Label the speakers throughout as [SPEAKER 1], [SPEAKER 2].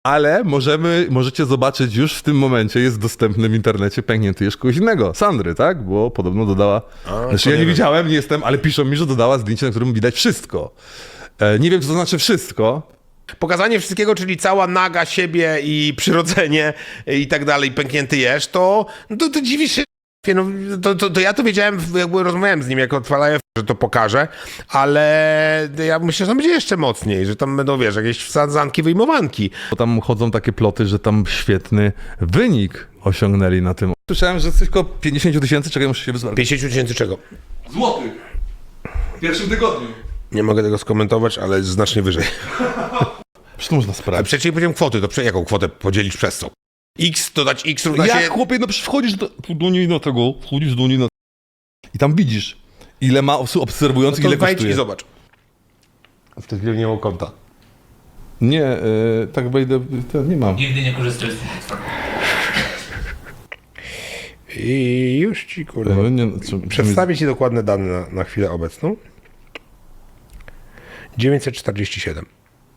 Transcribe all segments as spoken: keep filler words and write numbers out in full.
[SPEAKER 1] Ale możemy, możecie zobaczyć już w tym momencie, jest dostępny w internecie pęknięty jeszcze kogoś innego, Sandry, tak? Bo podobno dodała,
[SPEAKER 2] A,
[SPEAKER 1] znaczy ja nie
[SPEAKER 2] wiem.
[SPEAKER 1] widziałem, nie jestem, ale piszą mi, że dodała zdjęcie, na którym widać wszystko. E, nie wiem, co to znaczy wszystko.
[SPEAKER 2] Pokazanie wszystkiego, czyli cała naga siebie i przyrodzenie i tak dalej, pęknięty jesz, to, no to, to dziwi się. No, to, to, to ja to wiedziałem, jakby rozmawiałem z nim, jak odpalają, że to pokaże, ale ja myślę, że tam będzie jeszcze mocniej, że tam będą, wiesz, jakieś wsadzanki, wyjmowanki.
[SPEAKER 1] Bo tam chodzą takie ploty, że tam świetny wynik osiągnęli na tym. Słyszałem, że coś około pięćdziesiąt tysięcy, czekaj, muszę się wyzwać.
[SPEAKER 2] pięćdziesiąt tysięcy czego?
[SPEAKER 1] Złotych. W pierwszym tygodniu.
[SPEAKER 2] Nie mogę tego skomentować, ale jest znacznie wyżej.
[SPEAKER 1] Przecież to można
[SPEAKER 2] Ale
[SPEAKER 1] sprawdzić.
[SPEAKER 2] przecież nie powiedziałem kwoty, to prze, jaką kwotę podzielić przez co? X, dodać X równa
[SPEAKER 1] Jak
[SPEAKER 2] się...
[SPEAKER 1] chłopie, no przecież wchodzisz do, do niej na tego, wchodzisz do niej na... I tam widzisz, ile ma osób obserwujących,
[SPEAKER 2] No
[SPEAKER 1] ile
[SPEAKER 2] to wejdź
[SPEAKER 1] kosztuje.
[SPEAKER 2] i zobacz. W tej chwili nie mam konta.
[SPEAKER 1] Nie, e, tak wejdę, to nie mam.
[SPEAKER 3] Nigdy nie korzystaj z tej platformy.
[SPEAKER 2] I już ci, kurwa,
[SPEAKER 1] E, nie, co,
[SPEAKER 2] przedstawię ci dokładne dane na, na chwilę obecną. dziewięćset czterdzieści siedem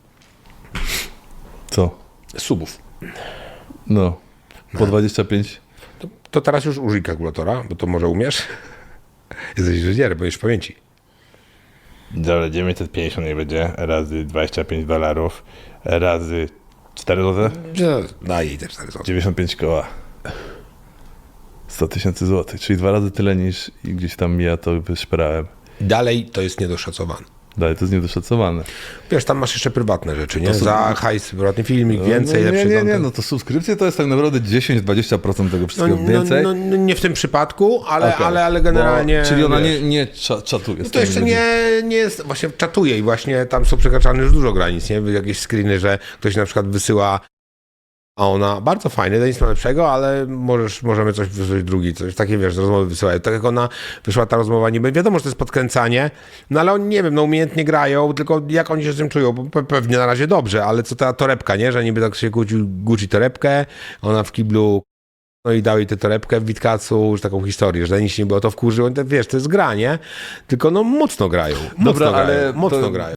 [SPEAKER 1] Co?
[SPEAKER 2] subów.
[SPEAKER 1] No, po dwadzieścia pięć.
[SPEAKER 2] To, to teraz już użyj kalkulatora, bo to może umiesz. Jesteś inżynierem, bo już w pamięci.
[SPEAKER 4] Dobra, dziewięćset pięćdziesiąt niech będzie, razy dwadzieścia pięć dolarów, razy cztery złote,
[SPEAKER 2] No, daj jej te cztery złote.
[SPEAKER 1] dziewięćdziesiąt pięć koła. sto tysięcy złotych, czyli dwa razy tyle niż i gdzieś tam ja to wyszperałem.
[SPEAKER 2] Dalej to jest niedoszacowane.
[SPEAKER 1] Dalej, to jest niedoszacowane.
[SPEAKER 2] Wiesz, tam masz jeszcze prywatne rzeczy, nie?
[SPEAKER 1] To są-
[SPEAKER 2] Za hajs, prywatny filmik, więcej,
[SPEAKER 1] no, nie,
[SPEAKER 2] lepszy
[SPEAKER 1] nie, nie,
[SPEAKER 2] content.
[SPEAKER 1] no to subskrypcje to jest tak naprawdę dziesięć do dwudziestu procent tego
[SPEAKER 2] No,
[SPEAKER 1] wszystkiego
[SPEAKER 2] no,
[SPEAKER 1] więcej.
[SPEAKER 2] no, no, nie w tym przypadku, ale,
[SPEAKER 1] Okej.
[SPEAKER 2] ale, ale generalnie...
[SPEAKER 1] Bo, czyli ona
[SPEAKER 2] wiesz,
[SPEAKER 1] nie, nie cza, czatuje z
[SPEAKER 2] to
[SPEAKER 1] tymi
[SPEAKER 2] jeszcze
[SPEAKER 1] ludźmi.
[SPEAKER 2] nie, nie jest, właśnie czatuje i właśnie tam są przekraczane już dużo granic, nie? Jakieś screeny, że ktoś na przykład wysyła, a ona, bardzo fajne, to nic ma lepszego, ale możesz, możemy coś wysłać drugi, coś takie, wiesz, rozmowy wysyłają. Tak jak ona wyszła ta rozmowa, niby wiadomo, że to jest podkręcanie, no ale oni, nie wiem, no umiejętnie grają, tylko jak oni się z tym czują, bo pe- pewnie na razie dobrze, ale co ta torebka, nie? Że niby tak się kłócił Gucci torebkę, ona w kiblu, no i dał jej tę torebkę w Witkacu, już taką historię, że nic nie było, to wkurzyło, wiesz, to jest gra, nie? Tylko no mocno grają, mocno
[SPEAKER 1] Dobra,
[SPEAKER 2] grają,
[SPEAKER 1] ale
[SPEAKER 2] mocno
[SPEAKER 1] to-
[SPEAKER 2] grają.